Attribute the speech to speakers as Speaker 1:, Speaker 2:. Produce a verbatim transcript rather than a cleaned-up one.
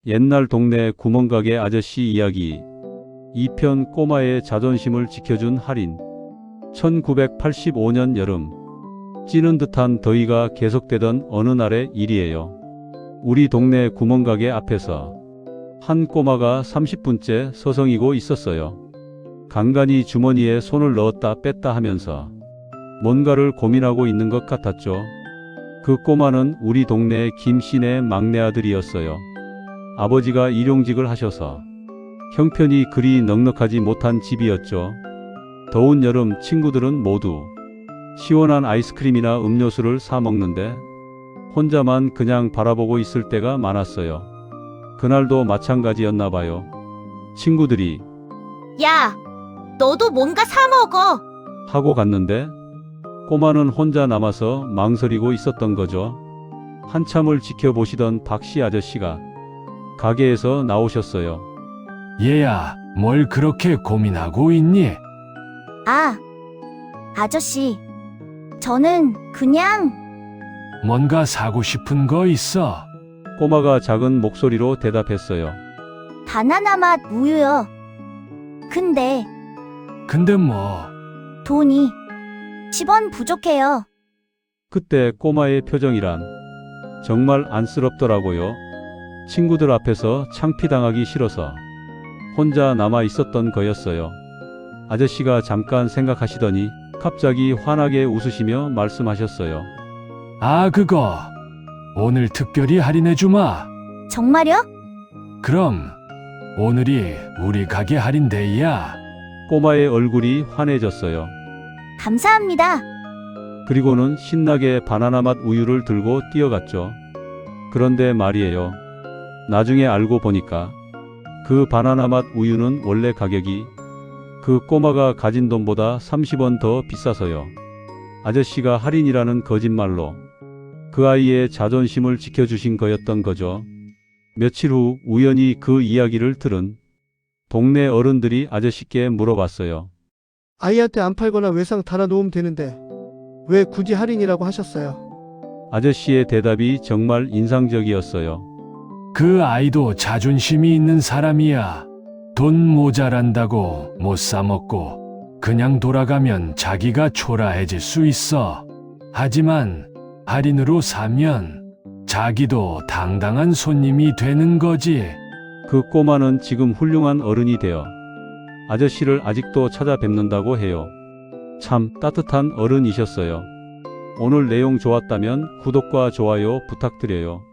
Speaker 1: 옛날 동네 구멍가게 아저씨 이야기 이 편 꼬마의 자존심을 지켜준 할인. 천구백팔십오 년 여름, 찌는 듯한 더위가 계속되던 어느 날의 일이에요. 우리 동네 구멍가게 앞에서 한 꼬마가 삼십 분째 서성이고 있었어요. 간간히 주머니에 손을 넣었다 뺐다 하면서 뭔가를 고민하고 있는 것 같았죠. 그 꼬마는 우리 동네 김씨네 막내 아들이었어요. 아버지가 일용직을 하셔서 형편이 그리 넉넉하지 못한 집이었죠. 더운 여름 친구들은 모두 시원한 아이스크림이나 음료수를 사 먹는데 혼자만 그냥 바라보고 있을 때가 많았어요. 그날도 마찬가지였나 봐요. 친구들이
Speaker 2: 야, 너도 뭔가 사 먹어.
Speaker 1: 하고 갔는데 꼬마는 혼자 남아서 망설이고 있었던 거죠. 한참을 지켜보시던 박씨 아저씨가 가게에서 나오셨어요.
Speaker 3: 얘야, 뭘 그렇게 고민하고 있니?
Speaker 2: 아, 아저씨, 저는 그냥
Speaker 3: 뭔가 사고 싶은 거 있어?
Speaker 1: 꼬마가 작은 목소리로 대답했어요.
Speaker 2: 바나나 맛 우유요. 근데
Speaker 3: 근데 뭐,
Speaker 2: 돈이 십 원 부족해요.
Speaker 1: 그때 꼬마의 표정이란 정말 안쓰럽더라고요. 친구들 앞에서 창피당하기 싫어서 혼자 남아 있었던 거였어요. 아저씨가 잠깐 생각하시더니 갑자기 환하게 웃으시며 말씀하셨어요.
Speaker 3: 아, 그거 오늘 특별히 할인해주마.
Speaker 2: 정말요?
Speaker 3: 그럼 오늘이 우리 가게 할인데이야.
Speaker 1: 꼬마의 얼굴이 환해졌어요.
Speaker 2: 감사합니다.
Speaker 1: 그리고는 신나게 바나나 맛 우유를 들고 뛰어갔죠. 그런데 말이에요. 나중에 알고 보니까 그 바나나 맛 우유는 원래 가격이 그 꼬마가 가진 돈보다 삼십 원 더 비싸서요. 아저씨가 할인이라는 거짓말로 그 아이의 자존심을 지켜주신 거였던 거죠. 며칠 후 우연히 그 이야기를 들은 동네 어른들이 아저씨께 물어봤어요.
Speaker 4: 아이한테 안 팔거나 외상 달아놓으면 되는데 왜 굳이 할인이라고 하셨어요?
Speaker 1: 아저씨의 대답이 정말 인상적이었어요.
Speaker 3: 그 아이도 자존심이 있는 사람이야. 돈 모자란다고 못 사먹고 그냥 돌아가면 자기가 초라해질 수 있어. 하지만 할인으로 사면 자기도 당당한 손님이 되는 거지.
Speaker 1: 그 꼬마는 지금 훌륭한 어른이 되어 아저씨를 아직도 찾아뵙는다고 해요. 참 따뜻한 어른이셨어요. 오늘 내용 좋았다면 구독과 좋아요 부탁드려요.